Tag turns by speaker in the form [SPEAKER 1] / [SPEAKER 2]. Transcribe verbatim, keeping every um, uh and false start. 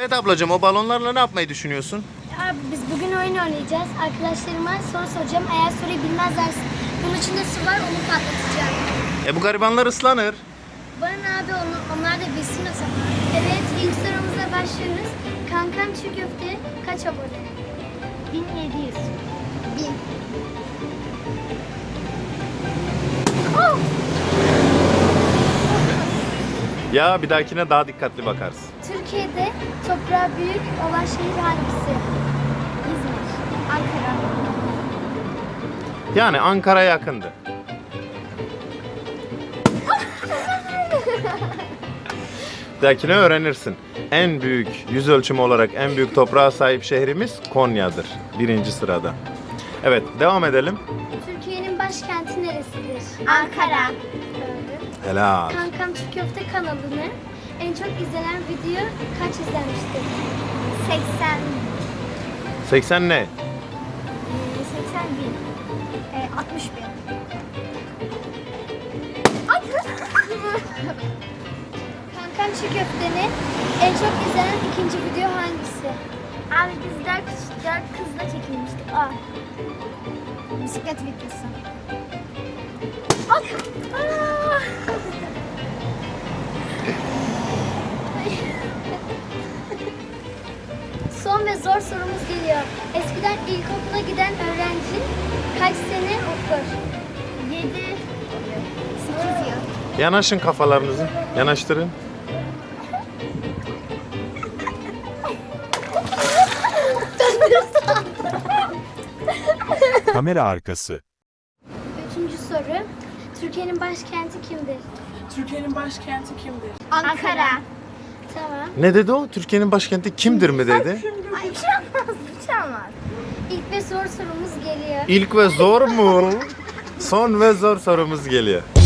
[SPEAKER 1] Evet ablacığım, o balonlarla ne yapmayı düşünüyorsun?
[SPEAKER 2] Abi biz bugün oyun oynayacağız. Arkadaşlarıma soru soracağım. Eğer soruyu bilmezlerse bunun içinde su var, onu patlatacağım.
[SPEAKER 1] E bu garibanlar ıslanır.
[SPEAKER 2] Bana abi onu, onlar da bilsin o zaman. Evet, ilk sorumuza başlıyoruz. Kankam Çiğ Köfte kaç abone? bin yedi yüz. bin. Oh!
[SPEAKER 1] Ya bir dahakine daha dikkatli bakarsın.
[SPEAKER 2] Türkiye'de toprağı büyük olan şehir hangisi? İzmir, Ankara.
[SPEAKER 1] Yani Ankara'ya yakındı. Bir dahakine öğrenirsin. En büyük yüz ölçümü olarak en büyük toprağa sahip şehrimiz Konya'dır. Birinci sırada. Evet, devam edelim.
[SPEAKER 2] Türkiye'nin başkenti neresidir? Ankara. Doğru.
[SPEAKER 1] Helal.
[SPEAKER 2] Kankam Çiğ Köfte kanalını en çok izlenen video kaç izlenmiştir? seksen.
[SPEAKER 1] seksen ne?
[SPEAKER 2] Ee, seksen bin. Ee, altmış bin. Ay! Kankam Çiğ Köfte'nin en çok izlenen ikinci video hangisi? Abi biz dört, dört kızla çekilmiştik. Aa. Bisiklet videosu. Ay! Aa! Son ve zor sorumuz geliyor. Eskiden ilkokula giden öğrenci kaç sene okur? yedi, sekiz yıl.
[SPEAKER 1] Yanaşın kafalarınızı. Yanaştırın.
[SPEAKER 3] Kamera arkası.
[SPEAKER 2] Üçüncü soru. Türkiye'nin başkenti kimdir?
[SPEAKER 4] Türkiye'nin başkenti kimdir?
[SPEAKER 2] Ankara. Tamam.
[SPEAKER 1] Ne dedi o? Türkiye'nin başkenti kimdir mi dedi?
[SPEAKER 2] Ay uçamaz, uçamaz. İlk ve zor sorumuz geliyor.
[SPEAKER 1] İlk ve zor mu? Son ve zor sorumuz geliyor.